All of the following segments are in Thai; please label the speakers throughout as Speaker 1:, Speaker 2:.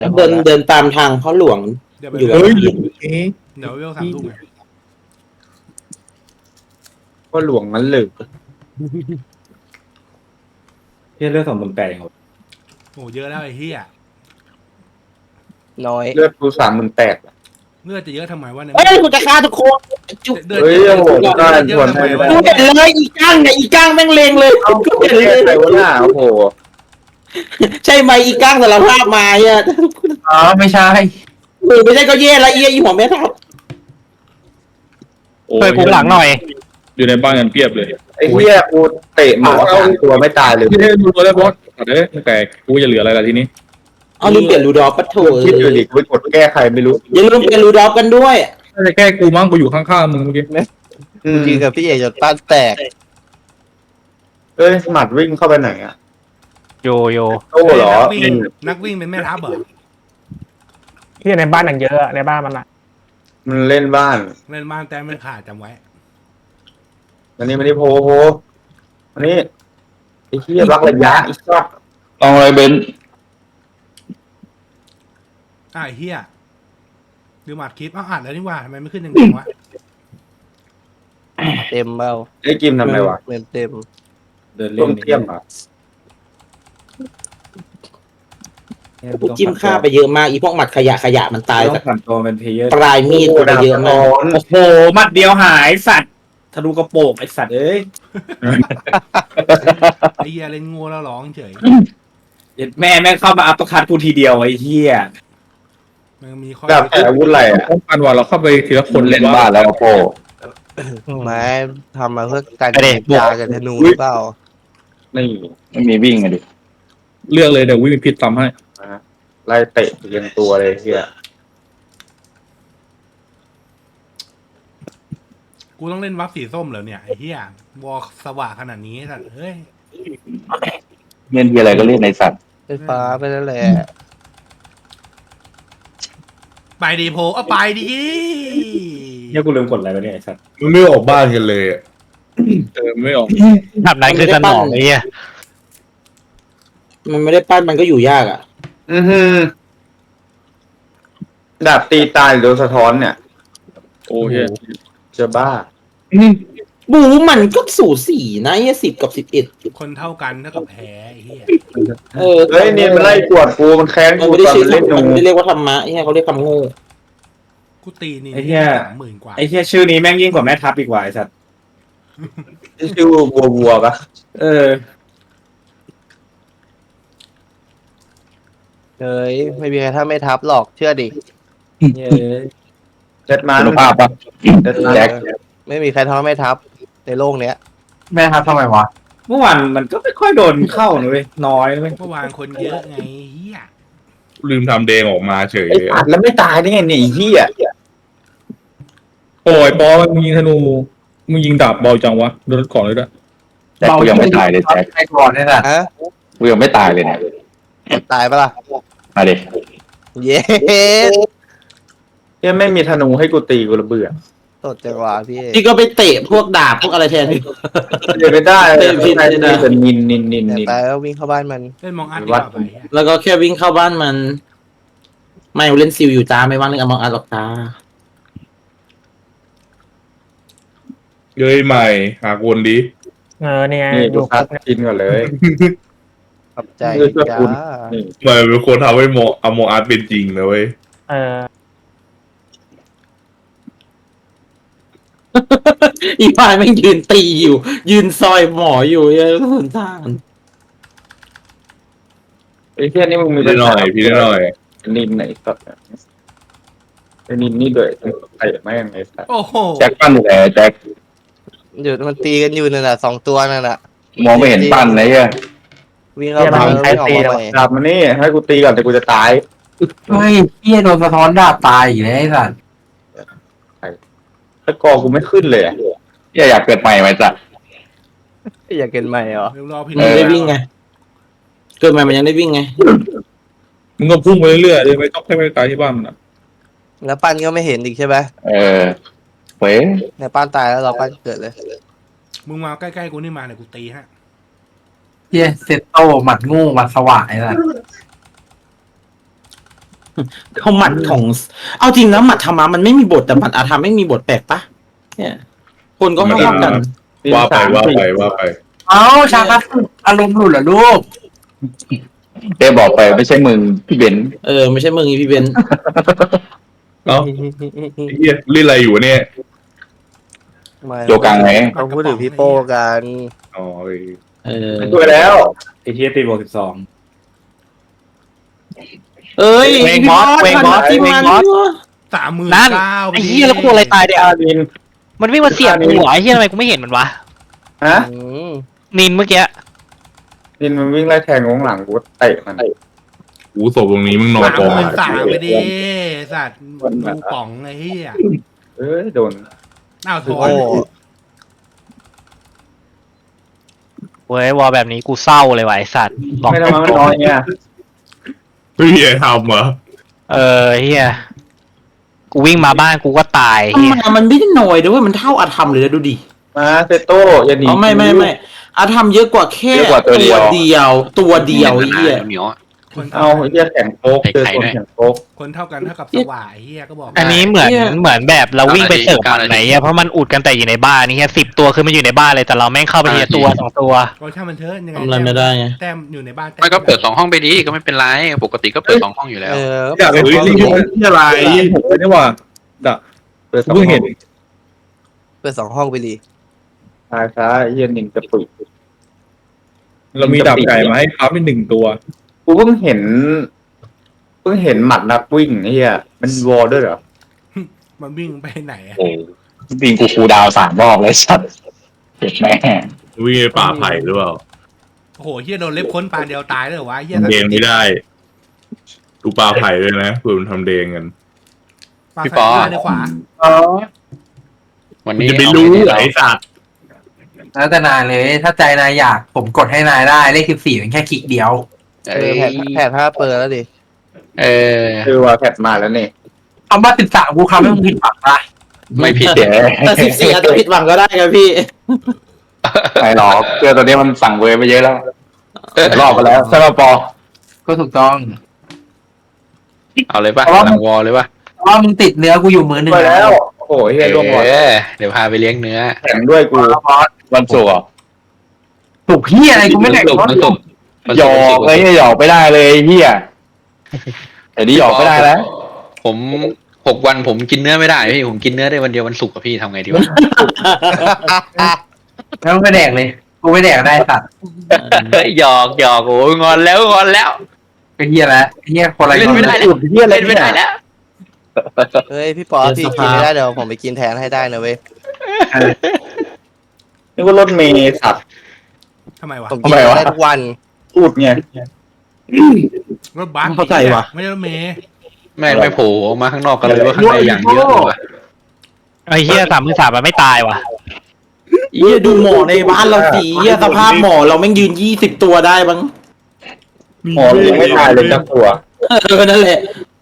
Speaker 1: เดินตามทางพ่อหลวง
Speaker 2: เดี๋ยวไป
Speaker 1: อยู่
Speaker 2: เว
Speaker 1: กับ
Speaker 2: ล
Speaker 1: พี่
Speaker 2: เดี๋ยวเวล3 ทุ่มไง
Speaker 3: ก็หลวงนั้นเลย
Speaker 4: พี่เลือก28,000ครับ
Speaker 2: โอ้เยอะแล้วไอ้เหี้ย
Speaker 5: น้อย
Speaker 3: เลือดกู38,000
Speaker 2: เลือดจะเยอะทำไมวะเนี่ย
Speaker 1: เฮ้ยกูจะฆ่าทุกคนจุ๊บ
Speaker 2: เดิน
Speaker 3: เฮ้ย
Speaker 2: เยอะ
Speaker 3: โอ้โห
Speaker 2: เยอะ
Speaker 3: ได้
Speaker 2: เยอะทำไมวะ
Speaker 1: กูเห็นเลยอีก้างเนี่ยอีก้างแม่งเลงเลย
Speaker 3: เอา
Speaker 1: กู
Speaker 3: กู
Speaker 1: เห็น
Speaker 3: แก้
Speaker 1: เลย
Speaker 3: ใครวะน่ะโอ้โห
Speaker 1: ใช่ไหมอีก้างสารภาพมาเนี่ย
Speaker 6: อ๋อไม่ใช่
Speaker 1: ไม่ใช่ก็แย่ละเอียอีหัวแม่ทับ
Speaker 7: ช่วยพุงหลังหน่อย
Speaker 6: อยู่ในบ้านกันเพียบเลย
Speaker 3: ไอ้เหี้ยกูเตะหมา3 ตัวไม่ตายเลย
Speaker 6: พี่ได้ดูตัวแล้วบอสเด้อแต่กูจะเหลืออะไรล่ะทีนี้
Speaker 1: เอาลืมเปลี่ยนรูดอฟปะโถ
Speaker 3: คิดอยู่ดิกูไปกดแก้ใครไม่รู้
Speaker 1: อย่าลืมเปลี่ยนรูดอฟกันด้วย
Speaker 6: น่าจะแค่กูมั้งกูอยู่ข้างๆมึงเมื่อกี้
Speaker 5: ยืนกับพี่เอกจนป้านแตก
Speaker 3: เอ้ยหมัดวิ่งเข้าไปไหนอ่ะ
Speaker 7: โยโย
Speaker 3: โอ้เหรอ
Speaker 2: นักวิ่งเป็นแม่ทัพเหรอ
Speaker 7: ที่ในบ้านอย่างเยอะในบ้านมันอะ
Speaker 3: มันเล่นบ้าน
Speaker 2: เล่นบ้านแต้มไม่ขาดจำไว้
Speaker 3: อันนี้ไม่ได้โพอันนี้ไอ้เหี้ยรักระยะอีกสัตว์
Speaker 6: ลองอะไรเบน
Speaker 2: ไอ้เหี้ยดูหมัดคลิปอ้าวอ่านแล้วนี่ว่าทำไมไม่ขึ้นยังวะ
Speaker 5: เต็มเบ้า
Speaker 3: ไอ้กิมทำไมวะ
Speaker 5: เต็ม
Speaker 4: เดิน
Speaker 3: ต้
Speaker 4: เล่น
Speaker 3: มเทียมอ่ะ
Speaker 1: กูจิ้มฆ่าไปเยอะมากอีพวกหมัดขยะมันตาย
Speaker 4: ต้อ
Speaker 1: จาก
Speaker 4: งผ่านตัวเป็นเพลเยอร์
Speaker 1: ปลายมีดกูไปเยอะมาก
Speaker 4: โอ้โหหมัดเดียวหายสัตว์ทะลุกระโปงไอสัตว์เอ้ย
Speaker 2: ไอ้เหี้ยเล่นงูแล้วร้องเฉย
Speaker 4: แม่แม่งเข้ามาอัปเปอร์คัตกูทีเดียวไอ้เหี้ย
Speaker 2: มันมีข้อ
Speaker 3: แบบแต่อาวุธอะไรอ่ะ
Speaker 6: ป้องกันว่าเราเข้าไปทีละคน
Speaker 3: เล่นบ้านแล้วโป
Speaker 5: ไม้ทำมาเพื่อการยากับธนูหรือเปล่า
Speaker 3: นี่
Speaker 8: ไม่มีวิ่งอะดิ
Speaker 6: เลือกเลยเดี๋ยววิ่งพิษทำให้
Speaker 3: ไล่เตะเรียงตัวเลยเหี้ย
Speaker 2: กูต้องเล่นวับสีส้มเหรอเนี่ยไอ้เหี้ยวอลสว่างขนาดนี้สัตว์เฮ้ย
Speaker 8: เงี้ยที่อะไรก็เล่นในสัตว์
Speaker 5: ไฟฟ้าไปแล้วแหละ
Speaker 2: ไปดีโพเอาไปดี
Speaker 4: เนี่ยกูลืมกดอะไรไปเนี่ยไอสัตว์
Speaker 6: มึงไม่ออกบ้านกันเลยไม่ออก
Speaker 7: แบบนั้นคือสนองไอ้เหี้ย
Speaker 1: มันไม่ได้ปั้นมันก็อยู่ยากอ่ะ
Speaker 3: อือหือดาบตีตายหรือโดนสะท้อนเนี่ย
Speaker 6: โอ้ย
Speaker 3: จะบ้า
Speaker 1: บูมันก็สูสีนะ10 กับ 11
Speaker 2: คนเท่ากันเท่ากับแพ้ไอ้เหี้ย
Speaker 3: เฮ้ยเนี่ยมันไล่กวดกูมันแค้น
Speaker 1: มัน
Speaker 3: กู
Speaker 1: ไม่ได้
Speaker 3: ตอน
Speaker 1: ชื่อ
Speaker 3: มันเล่นหนู
Speaker 1: มันไม่ได้เรียกว่าธรรมะเขาเรียกคำโง่
Speaker 2: กูตีนี่
Speaker 4: ไอ้เหี้ย
Speaker 2: 30,000 กว่า
Speaker 4: ไอ้เหี้ยชื่อนี้แม่งยิ่งกว่าแม่ทัพอีกว่าไอสัตว์
Speaker 3: ชื่อวัวปะ
Speaker 4: เออ
Speaker 5: เฮ้ยไม่มีใครถ้าไม่ทับหรอกเชื่อดิ
Speaker 4: เย้ย
Speaker 3: เจ็ดมัน
Speaker 8: คุณภาพปะ
Speaker 3: เจ็ดมัน
Speaker 8: แจ็ค
Speaker 5: ไม่มีใครท้อไม่ทับในโลกเนี้ย
Speaker 6: แม่ครับทำไมวะ
Speaker 4: เมื่อวานมันก็ไม่ค่อยโดนเข้านะเว้ยน้อยนะเว้ย
Speaker 2: เมื่อวานคนเยอะไงเหี้ย
Speaker 6: ลืมทำเดงออกมาเฉย
Speaker 3: ไอ้อัดแล้วไม่ตายได้ไงเนี่ยไอ้เหี้ย
Speaker 6: โอ้ยปอมึงยิงธนูมึงยิงดาบเบาจังวะโดนก่อนเลยด้วย
Speaker 8: แจ็คกูยังไม่ตายเลยแจ็ค
Speaker 6: ไอ้ก่อนเนี่ยนะ
Speaker 5: ฮะ
Speaker 8: กูยังไม่ตายเลยเนี่ย
Speaker 5: ตายปะล่ะ
Speaker 8: มาดิ
Speaker 5: เย้
Speaker 3: เนี่ยไม่มีธนูให้กูตีกูระเบื่อ
Speaker 5: สดจังหวะพี่เอก
Speaker 1: ที่ก็ไปเตะพวกดาบพวกอะไรแทนที่
Speaker 3: เดี๋ยวไม่ได้เลย
Speaker 1: เตะผิด
Speaker 3: ใคร
Speaker 1: เลย
Speaker 3: จะ
Speaker 1: นะ
Speaker 3: เป็นนินนินนิน
Speaker 5: แต่
Speaker 3: นิน
Speaker 5: ตายแล้ววิ่งเข้าบ้านมัน
Speaker 2: เล่นมองอัดดีกว่าไปเหี้ย
Speaker 1: แล้วก็แค่วิ่งเข้าบ้านมัน ไม่เล่นซิลอยู่จ้าไม่ว่างเล่นอมองอาร์หรอกจ้า
Speaker 6: เย้ยใหม่หากวนดี
Speaker 7: เนี่ย
Speaker 3: นี่
Speaker 7: อ
Speaker 3: กู
Speaker 7: ยู่ค
Speaker 3: ซั
Speaker 7: ร
Speaker 3: ด
Speaker 7: บเนี่ย
Speaker 3: กินก่อนเลย
Speaker 5: ขอบใจ
Speaker 3: เพื่อช่วย
Speaker 5: จ้า
Speaker 3: คุณ นี่
Speaker 6: มันเป็นคนทำให้อโมอาร์ตเป็นจริงนะเว้ย
Speaker 7: เออ
Speaker 1: อีพายแม่งยืนตีอยู่ ยืนซอยหมออยู่ยังสนทาน
Speaker 3: ไอ้เหี้ยนี่มึงมี
Speaker 6: พี่ได้หน่อยพี่ได้หน่อย
Speaker 3: นินไหนสัตว์ไอ้นินนี่ด้วยไอ้แม่งไอ้สัตว์
Speaker 2: โอ้โห
Speaker 8: แจ็คปั้นอยู่ไหนแจ็ค
Speaker 5: อยู่มันตีกันอยู่นั่นแหละ2 ตัวนั่นแหละ
Speaker 8: มองไม่เห็นปั้นนะเหี้ย
Speaker 5: วิ่งเข้าบ้านแล้ววิ่งออกมาใหม่
Speaker 3: ดาบมันนี่ให้กูตีก่อนแต่กูจะตาย
Speaker 6: เฮ้ยเฮียโดนสะท้อนดาบตายอีกแล้วไอ้สัส
Speaker 3: ถ้ากอกูไม่ขึ้นเลยอะ
Speaker 8: เหี้ยอยากเกิดใหม่ไหมจ๊ะ
Speaker 5: อยากเกินใหม่เหรอ
Speaker 2: เดี๋ยวรอพี่
Speaker 1: มันได้วิ่งไง เกิดมามันยังได้วิ่งไง
Speaker 6: มึงก็พุ่งไปเรื่อยๆเลยไม่ต้องให้ไปตายที่บ้านมันอ่ะ
Speaker 5: แล้วปั้นก็ไม่เห็นอีกใช่ไหม
Speaker 8: เออเว้ย
Speaker 5: ในปั้นตายแล้วเราปั้นเกิดเลย
Speaker 2: มึงมาใกล้ๆกูนี่มาเนี่ยกูตีฮะ
Speaker 6: เฮียเซตโตหมัดงูหมัดสว่างไอ้สัส
Speaker 1: เขาหมัดของ เอาจริงนะหมัดธรรมะมันไม่มีบทแต่หมัดอาธรรมไม่มีบทแปลกปะเนี่ยคนก็ไม่เท่ากัน
Speaker 6: ว่าไปว่าไปว่าไป
Speaker 4: เอ้าชาคัสอารมณ์หลุดเหรอลูก
Speaker 8: เต้บอกไปไม่ใช่มึงพี่เบนซ์
Speaker 1: ไม่ใช่มึงอีพี่เบนซ์
Speaker 6: เอ้าเฮียเล่นอะไรอยู่เนี่ย
Speaker 5: ไม่
Speaker 8: โจกังไง
Speaker 5: เขาพูดถึงพี่โป้กัน
Speaker 6: อ๋อ
Speaker 3: ช่วยแล้ว
Speaker 4: ไอ้เฮียตีบวก12
Speaker 1: เอ้ย
Speaker 7: เวงบอสเวงบอส
Speaker 1: ที่
Speaker 7: เวง
Speaker 1: มัน
Speaker 7: บอส
Speaker 2: 39,000
Speaker 7: ไอ้เหี้ยแล้วกูโดนอะไรตายเดี๋ยว
Speaker 3: นิน
Speaker 7: มันวิ่งมาเสียบกูเหรอไอ้เหี้ยทำไมกูไม่เห็นมันวะ
Speaker 3: ฮะ
Speaker 5: อืม
Speaker 7: นินเมื่อกี้
Speaker 3: นินมันวิ่งไล่แทงงงหลังกูเตะมัน
Speaker 6: กูศพตรงนี้มึงนอนกอง
Speaker 2: 33,000ไปดิสัตว์ดูป่องไอ้เหี้ย
Speaker 3: โดน
Speaker 2: อ้าวถอ
Speaker 5: โอ้
Speaker 2: น
Speaker 7: เว้ยวอลแบบนี้กูเศร้าเลยว่ะไอ้สัตว์บอก
Speaker 3: ไม่ทำไมมันน้อยเนี่ย
Speaker 6: เฮ้ยทำเหรอ
Speaker 7: เฮียกูวิ่งมาบ้านกูก็ตาย
Speaker 1: ธร
Speaker 7: เฮี
Speaker 1: ร
Speaker 7: ย
Speaker 1: มะมันไม่ได้น้อยด้วยมันเท่าอาธรรมเลยนะดูดิ
Speaker 3: มาเซโต้อย่าหนี
Speaker 1: ไม่อาธรรมเยอะกว่าแค่ตัวเดียวไอ้เหี้ย
Speaker 2: คน
Speaker 3: เอาไอ้เหี้ยแข่งโป๊กเจอคนแข่งโป๊ก
Speaker 2: คนเท่ากันเท่ากับสว่ายไอ้เหี้ยก็บอก
Speaker 7: อันนี้เหมือนแบบเราวิ่งไปเสิร์ฟมันไหนเพราะมันอุดกันแต่อยู่ในบ้านนี่เฮีย10 ตัวคือมันอยู่ในบ้านเลยแต่เราแม่งเข้าไปทีละตัว2 ตัว
Speaker 2: ก็ช่างมันเถอะยังไง
Speaker 1: ทำอะไรไม่ได้ไง
Speaker 2: แต้มอยู่ในบ้าน
Speaker 9: ไม่ก็เปิด2 ห้องไปดีก็ไม่เป็นไรปกติก็เปิด2 ห้องอยู่แล้ว
Speaker 6: อยากเห็นที่อะไรผมเลยนี่ว่าด่ะ
Speaker 3: เปิด
Speaker 6: เพิ่งเห็น
Speaker 5: เปิด2 ห้องไปดี
Speaker 3: ซ้ายซ้ายเหี้ยนินจะปึก
Speaker 6: เรามีดาบไก่มาให้ครับเป็น1 ตัว
Speaker 3: กูเพิ่งเห็นหมัดนักวิ่งไอ้เหี้ยมันวอลด้วยเหรอ
Speaker 2: มันวิ่งไปไหนอะ
Speaker 8: โอ้จริงกูคูลดาวน์3 รอบเลยสัตว์เจ็บแม่
Speaker 6: วิ่งในป่าไผ่หรือเปล่า
Speaker 2: โอ้โหเหี้ยโดนเล็บค้นปานเดียวตายเลยเหรอวะเหี้ย
Speaker 6: ทำเดงไม่ได้ ดูป่าไผ่ด้วยนะเพื่อมันทำเดงกัน
Speaker 2: ปาดซ้ายในขวา
Speaker 9: วัน
Speaker 6: มัน
Speaker 9: นี้
Speaker 6: จะไปรู้เหรอไอ้สัตว์
Speaker 4: แล้วแต่นายเลยถ้าใจนายอยากผมกดให้นายได้เลข14เป็นแค่คลิกเดียว
Speaker 5: แผ่ผ้าเปิดแล้วดิ
Speaker 3: คือว่าแพทมาแล้วนี่
Speaker 4: คำว่า13กูคำให้มึงผิดหวังนะ
Speaker 9: ไม่ผิด
Speaker 8: เดี๋ยว
Speaker 1: แต่14อาจจะผิดหวังก็ได้ครับพี่
Speaker 8: ไม่หรอกเพื่อตัวนี้มันสั่งเวรไปเยอะแล้วรอบไปแล้วใช่ป่ะปอ
Speaker 4: ก็ถูกต้อง
Speaker 9: เอาเลยป่ะหลังวอลเลยป่ะ
Speaker 4: เพราะว่ามึงติดเนื้อกูอยู่มือหนึ่ง
Speaker 3: ไปแล้วโอ้โหเหี้ยร่วงหมด
Speaker 9: เดี๋ยวพาไปเลี้ยงเนื้อ
Speaker 3: แข่งด้วยกู
Speaker 8: วันศุกร์เหรอ
Speaker 4: ถูกพี่อะไรกูไม่แข่ง
Speaker 9: สุก
Speaker 4: รถ
Speaker 9: มันสุก
Speaker 8: หยอกเลยหยอกไม่ได้เลยเฮียแต่นี่หยอกไม่ได้แล้ว
Speaker 9: ผม6 วันผมกินเนื้อไม่ได้พี่ผมกินเนื้อได้วันเดียววันศุกร์กับพี่ทำไงดีวะ
Speaker 4: แล้วมึงไปแดกเลยกูไม่แดกได้สัตว์
Speaker 9: หยอกโอ้ยงอนแล้ว
Speaker 4: ก็เฮียแล้วเฮียคนอะไร
Speaker 9: เล่นไม่ได้แล้ว
Speaker 3: เหี้ยอะไร
Speaker 9: เล่นไม่ได้แล้ว
Speaker 5: เฮ้ยพี่ปอพี่กินไม่ได้เดี๋ยวผมไปกินแทนให้ได้นะเว้ย
Speaker 3: นี่ว่ารถเมย์สัตว์
Speaker 2: ทำไมวะ
Speaker 5: ผมกินได้ทุกวัน
Speaker 3: พูดไง
Speaker 2: รถบัส
Speaker 1: เข้าใจวะ
Speaker 2: ไม่ใช่รถเมย์
Speaker 9: ไม่โผล่ออกมาข้างนอกกันเลยว่าข้างในอย่างเยอะเลยว่ะ
Speaker 7: ไอ้เฮีย33มันไม่ตายว่ะ
Speaker 1: เหี้ยดูหมอในบ้านเราสิเหี้ยสภาพหมอเราแม่งยืน20 ตัวได้บ้าง
Speaker 3: หมอยังไม่ตายเลยจับตัว
Speaker 1: นั่นแหละ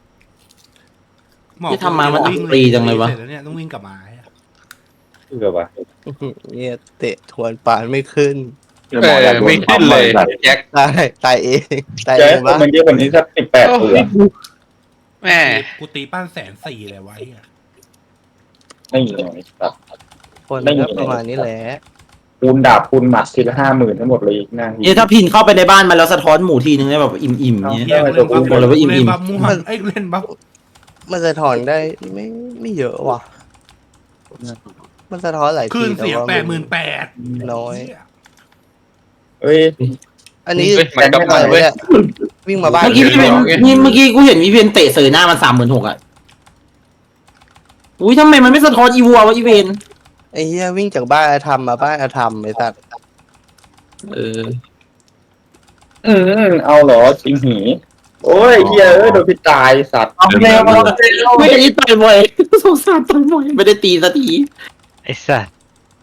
Speaker 2: หมอ
Speaker 1: ที่ทำมามัน
Speaker 2: วิ่
Speaker 1: อับปรีจังเลยวะ
Speaker 2: สร็จแเนี่ยต้องวิ่งกลับมา
Speaker 3: คือแบบว่า
Speaker 5: เนี่ยเตะทวนปานไม่ขึ้น
Speaker 9: ไม่ขึ้นเลยแจ็ค
Speaker 5: ตายเองตาย
Speaker 3: จะ
Speaker 5: เอ
Speaker 3: ให้
Speaker 5: ง
Speaker 3: คน
Speaker 5: วะ
Speaker 3: มันเยอะกว่านี้สัก18 ตัว
Speaker 9: แม่
Speaker 2: กูตีปั้น140,000เลยไวะไอ้เหี้ย
Speaker 3: ไม่มีเลยสัตว์
Speaker 5: คนก็ประมาณนี้แหละ
Speaker 3: คูณดาบคูณหมัดทีละ50,000ทั้งหมดเลยอีกหน้า
Speaker 1: เนี่ยถ้าพินเข้าไปในบ้านมันแล้วสะท้อนหมูทีนึงได้แบบอิ่มๆเงี้ย
Speaker 2: เฮียกู
Speaker 1: บอกเลยว่าอิ่มๆ
Speaker 2: เล่นบัฟม่วงไอ้ยกูเล่นบัฟ
Speaker 5: มันสะท้อนได้ไม่เยอะว่ะ มันสะท้อนหลาย
Speaker 2: คลื่
Speaker 5: ที
Speaker 2: นเสียง
Speaker 5: แต่ว่า
Speaker 2: 88,000
Speaker 5: น้อย
Speaker 3: เอ้ย
Speaker 5: อันนี้
Speaker 9: มันกลับมาเว้ย
Speaker 5: วิ่งมาบ้าน
Speaker 1: เมื่อกี้พี่เป็นเมื่อกี้กูเห็นพี่เป็นเตะเสยหน้ามัน36,000อ่ะอุ้ยทำไมมันไม่สะท้อนอีวัววะอีเวน
Speaker 5: ไอ้เหี้ยวิ่งจากบ้านอาธรรมมาบ้านอาธรรมไอ้สัตว์
Speaker 3: เอาเหรอจริงหีโอ้ยเฮียโดนพี่ตายสัตว์
Speaker 4: เอาเร็วเอาเร็ว
Speaker 1: ไม่ได้ต่อยบ่อยสงสารต่อยบ่อยไม่ได้ตีสักที
Speaker 7: ไอ้สัส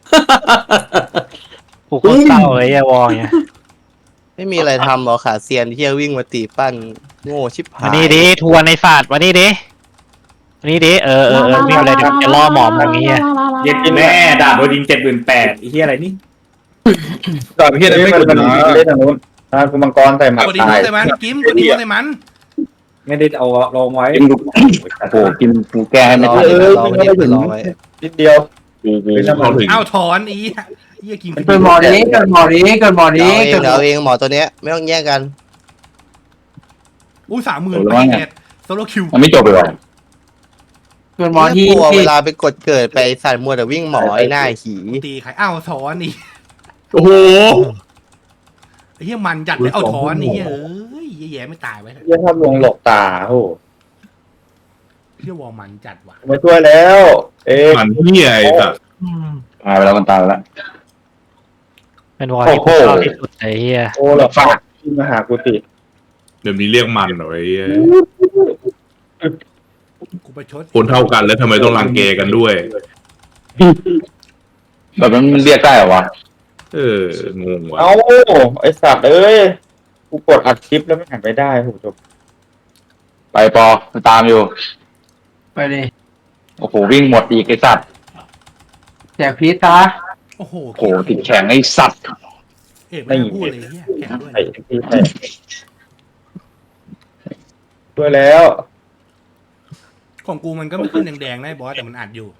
Speaker 7: กูก็เศร้าเลยไอ้วอลเนี่ย
Speaker 5: ไม่มีอะไรทำหรอขาเซียนที่จะวิ่งมาตีปั้นโง่ชิบหา
Speaker 7: วัน
Speaker 5: ย
Speaker 7: นี้ดิทัวร์ในศาสตร์วันนี้ดิวิ่งเลยเดี๋ยวจะล่อหมอมแบบนี้
Speaker 4: เย็ดแม่ด่าโดนยิง78,000ไอ้เฮียอะไรนี่
Speaker 6: ดาบเฮีย
Speaker 3: เล่
Speaker 6: ไม่
Speaker 3: น
Speaker 6: กด
Speaker 3: มัน
Speaker 6: นะ
Speaker 3: เล่นทางนู้นกูมังกรใส่หมัด
Speaker 2: กดดี
Speaker 3: ตา
Speaker 2: โม
Speaker 3: ย
Speaker 2: ใส่มันกิมกดดีโมใส่มัน
Speaker 6: ไม่ได้เอาลองไว้
Speaker 8: กินกูโอ้โหกินกูแก้ให้ไม่
Speaker 5: รอ
Speaker 8: ทัน
Speaker 5: ไว้
Speaker 3: เออ
Speaker 5: รอไว้
Speaker 3: ไม่ได้ถึง
Speaker 5: รอไว้
Speaker 3: นิดเดียว
Speaker 6: ไม่ต้องเอาถึง
Speaker 2: อ้าวถอนอีเฮียกิน
Speaker 4: เกินหมอนี้เกินหมอนี้เกินหมอ
Speaker 5: เดี๋
Speaker 4: นี้
Speaker 5: ยวเอาเองหมอตัวเนี้ยไม่ต้องแย่งกัน
Speaker 2: อู้30,000ไปเน็ตโซโลคิว
Speaker 8: มันไม่จบเลยว่ะ
Speaker 4: เกินหมอที่
Speaker 5: กลัวเวลาไปกดเกิดไปใส่มัวแต่วิ่งหมอไอ้หน้าหี
Speaker 2: ตีใครอ้าวถอนอี
Speaker 6: โอ้โห
Speaker 2: ไอ้เฮียมันจัดเลยเอาถอนนี่เอ้ยแย่ๆไม่ตายไว้
Speaker 3: เยี่ยภาพลวงหลอกตาโอ้โห
Speaker 2: เฮียวอมันจัดว่ะ
Speaker 3: มาช่วยแล้ว เอ๊ะ
Speaker 6: มันเหี้ยไอ้สัส
Speaker 8: ตายไปแล้วมันตายไปแล้ว
Speaker 7: เป็นวอลที่กูชอบที่สุดไอ้เฮีย
Speaker 3: โอ้หลอกฝากที่มาหากูติ
Speaker 6: เดี๋ยวนี้เรียกมันเหรอไอ้เหี้ย
Speaker 2: กูไปชด
Speaker 6: คนเท่ากันแล้วทำไมต้องรังแกกันด้วย
Speaker 8: แบบนั้นมันเรียกได้เหรอวะ
Speaker 6: งงว่ะ
Speaker 3: เอ้าไอสัตว์เอ้ยกูกดอัดคลิปแล้วไม่หันไปได้โหจบ
Speaker 8: ไปปอมันตามอยู่
Speaker 4: ไปดิ
Speaker 8: โอ้โหวิ่งหมดอีกไอ้สัตว์
Speaker 4: แจกพีชซะ
Speaker 2: โอ้โห
Speaker 8: โอ้โหติดแข็งไอ้สัตว์
Speaker 2: เอกไม่ได้พูดเลยเฮียแข่งด้วย
Speaker 3: ไอ้ที่แท้ช่วยแล้ว
Speaker 2: ของกูมันก็ไม่ขึ้นแดงๆนะไอ้บอสแต่มันอัดอยู่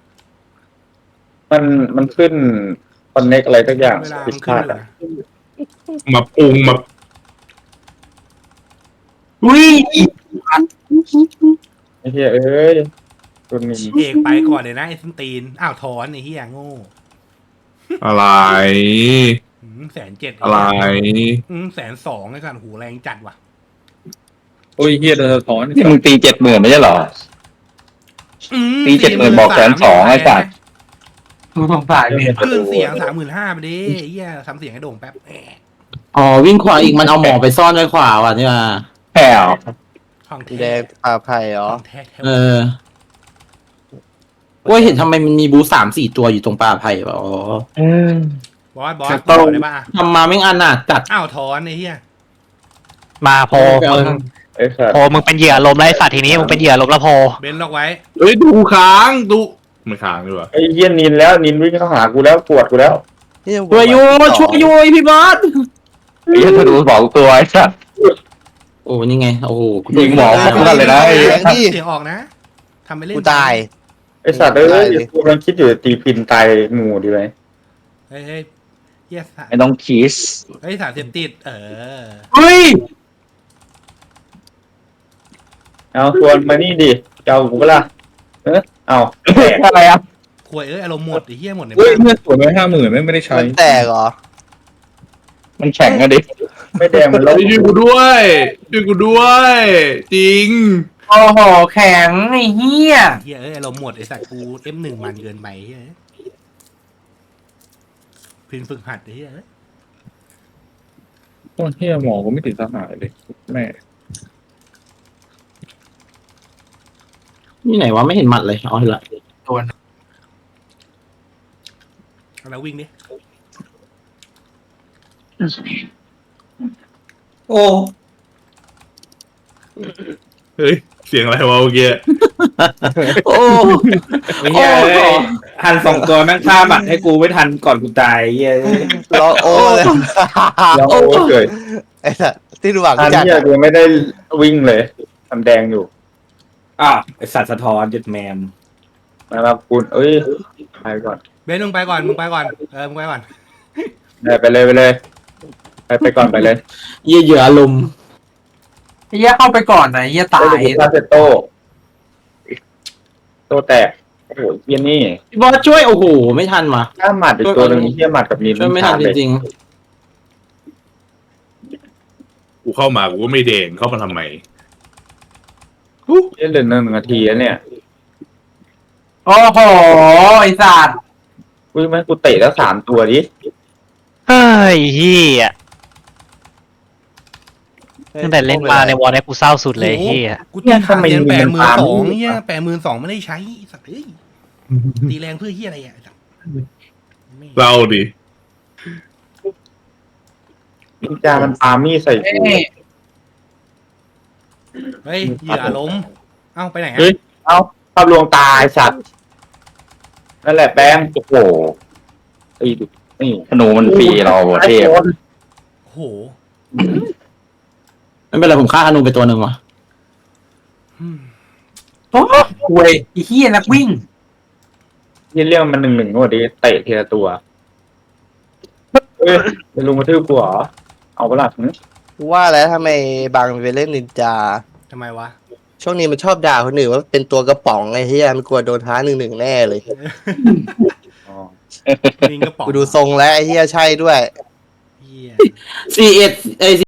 Speaker 3: มันขึ้นคอนเน็กอะไรสักอย่าง
Speaker 2: เวลา
Speaker 3: ผิด
Speaker 2: มัน
Speaker 3: พ
Speaker 2: ขึ้น
Speaker 3: ลาด
Speaker 2: อยู่
Speaker 3: อ่ะ
Speaker 2: นะ
Speaker 6: มาปรุงมา
Speaker 4: อุ้ย
Speaker 3: ไอ้เหี้ยเอ้ยตัวนี้
Speaker 2: เอกไปก่อนเลยนะไอ้ส้นตีนอ้าวถอนไอ้เฮียโง่
Speaker 6: อะไร
Speaker 2: 107,000
Speaker 6: อะไร
Speaker 2: 102,000ไอ้สัตว์หูแรงจัดว่ะ
Speaker 6: โอ้ยเฮียสะท้อน
Speaker 8: นี่มึงตี70,000ไม่ใช่เหรอ ตี70,000บอก102,000ไอ้สัตว์
Speaker 4: กูสงสารเนี่ย
Speaker 2: เครื่องเสียง35,000ไปดิเฮียทำเสียงให้โด่งแป๊บแหม
Speaker 1: อ๋อวิ่งขวาอีกมันเอาหมอไปซ่อนไว้ขวาว่ะนี่มา
Speaker 8: แผ่ว
Speaker 2: ของ
Speaker 5: แด
Speaker 2: แท้
Speaker 5: งปลาไผ่เหรอ
Speaker 2: ของแท้
Speaker 1: เออว่าเห็นทำไมมันมีบู3-4ตัวอยู่ตรงป่าไผ่วะอ๋อบ
Speaker 2: อสบอกได้ป่ะ
Speaker 1: ทำมาไม่งอันน่ะจัด
Speaker 2: อ้าวถอนไอ้เฮีย
Speaker 7: มาโพมึง
Speaker 3: ไอ้สัตว์
Speaker 7: โพมึงเป็นเหยื่อลมแล้วไอ้สัตว์ทีนี้มึงเป็นเหยื่อลมแล้วโพ
Speaker 2: เบนล็อกไว้
Speaker 6: เฮ้ยดูค้างดูไม่ค้างดีกว่า
Speaker 3: ไอ้เหี้ยนินแล้วนินวิ่งเข้าหากูแล้วปวดกูแล้ว
Speaker 5: นี่
Speaker 1: ช่วยอยู่พี่บอส
Speaker 8: ไอ้เหี้ยธนู2 ตัวไอ้สัตว์
Speaker 1: โอ้นี่ไงโอ้โห
Speaker 8: ยิงหมอพวกนั้นเลยนะไอ้
Speaker 5: แรงดิ
Speaker 2: เสียงออกนะทำไปเล่น
Speaker 5: กูตาย
Speaker 3: ไอ้สัตว์เอ้ยกูกำลังคิดอยู่ตีพินตายหมู่ดีไหม
Speaker 2: เฮ้ยเฮียสาร
Speaker 8: ไม่ต้องคีส
Speaker 2: เฮ้ยสารเสพติด
Speaker 4: เฮ้ย
Speaker 3: เอาชวนมานี่ดิเจ้ากูเปะล่าเอาแตก
Speaker 8: อะไรอ่ะ
Speaker 2: ควยอารมณ์หมดไอ้เฮียหมดใน
Speaker 6: เฮ้ย
Speaker 2: บ้าน
Speaker 6: เพื่อนสวนไว้50,000ไม่ได้ใช้
Speaker 5: มันแตกเหรอ
Speaker 8: มันแข็งอะดิ
Speaker 3: ไม่แดงมันลบ
Speaker 6: ช่วยกูด้วยช่วยกูด้วย จริง
Speaker 4: โอ้โหแข็งไอ้เหี้ย
Speaker 2: เฮียอารมณ์หมดไอ้สัตว์กู F1 มันเกินไปเฮียพินฝึกหัดไอ้เฮีย
Speaker 6: โอ้เฮียหมอก็ไม่ติดสหายเลยแม่
Speaker 1: นี่ไหนวะไม่เห็นหมัดเลยอ๋อเห็นละ
Speaker 2: เราวิ่งดิ
Speaker 6: โอ้เฮ้ยเสียงอะไรวะเมื่อกี้
Speaker 1: โอ้
Speaker 6: ไม่ใช่ทัน2 ตัวแม่งฆ่าบัตรให้กูไม่ทันก่อนกูตายเฮีย
Speaker 5: รอโอ้เลย
Speaker 3: แล้วโอ้เกิด
Speaker 5: ไอ้สัสที่ดูหวัง
Speaker 3: อัน
Speaker 5: จัด
Speaker 3: นี้กูไม่ได้วิ่งเลยทำแดงอยู่
Speaker 6: อ้าวไอสัตว์สะท้อนจุดแมม
Speaker 3: มาคุณเอ้ยไปก่อน
Speaker 2: เบนมึงไปก่อนมึงไปก่อนมึงไปก่อน
Speaker 3: ไปเลยไปก่อนไปเลย
Speaker 1: เหยื่ออารมณ์
Speaker 4: ไอ้เหี้ยเข้าไปก่อนนะไอ้เหี้ยตาย
Speaker 3: ซาเซโต้แตกโอ้โหเยี่ยนี่
Speaker 1: พี่บอสช่วยโอ้โหไม่ทันว่ะ
Speaker 3: ถ้าหมัดอีกตัวหนึ่งเที่ยหมัดกับนิน
Speaker 1: ช่วยไม่ทันจริง
Speaker 6: กูเข้ามากูก็ไม่เด่งเข้ามาทำไม
Speaker 3: เล่นเหลือ1 นาทีแล้วเนี่ย
Speaker 4: โอ้โหไอ้สัตว์
Speaker 3: อุ้ยแม่งกูเตะแล้ว3 ตัวดิ
Speaker 7: เฮ้ยเฮียตั้งแต่เล่นมาในวอลเนี่ยกูเศร้าสุดเลยเฮีย
Speaker 2: กูตีขาเรียน82,000เฮีย82,000ไม่ได้ใช้สัตว์เอ้ยตีแรงเพื่อเฮียอะไรอ่ะ
Speaker 6: เราดิ
Speaker 3: นินจามันปามีดใส่กู
Speaker 2: เฮ้ยเหยื่อล้มเอ้าไปไหน
Speaker 6: เฮ้
Speaker 2: อ่ะ
Speaker 6: ย
Speaker 3: เอาภาพลวงตาไอ้สัตว์นั่นแหละแป้ง
Speaker 8: โอ้โห
Speaker 3: ตีดินี่
Speaker 8: ธนูมันฟรีเราเทพ
Speaker 2: โอ้โห
Speaker 1: ๆไม่เป็นไรผมฆ่าธนูไปตัวหนึ่งว่ะ
Speaker 4: เว้ยไอ้เหี้ยนักวิ่ง
Speaker 3: ที่เรื่องมัน1-1ก็ดีเตะทีละตัวเอ้ยจะลุงมาทืบกูเหรอเอาเปล่าหึ
Speaker 5: กูว่าแล้วทำไมบางไปเล่นนินจา
Speaker 2: ทำไมวะ
Speaker 5: ช่วงนี้มันชอบด่าคนอื่นว่าเป็นตัวกระป๋องไอ้เหี้ยมันกลัวโดนท้า1-1แน่เลย
Speaker 3: อ๋อ
Speaker 2: ลิงกระป๋อง
Speaker 5: กูดูทรงแล้วไอ้เหี้ยใช่ด้วย
Speaker 2: เหี้ย
Speaker 1: C1 ไอ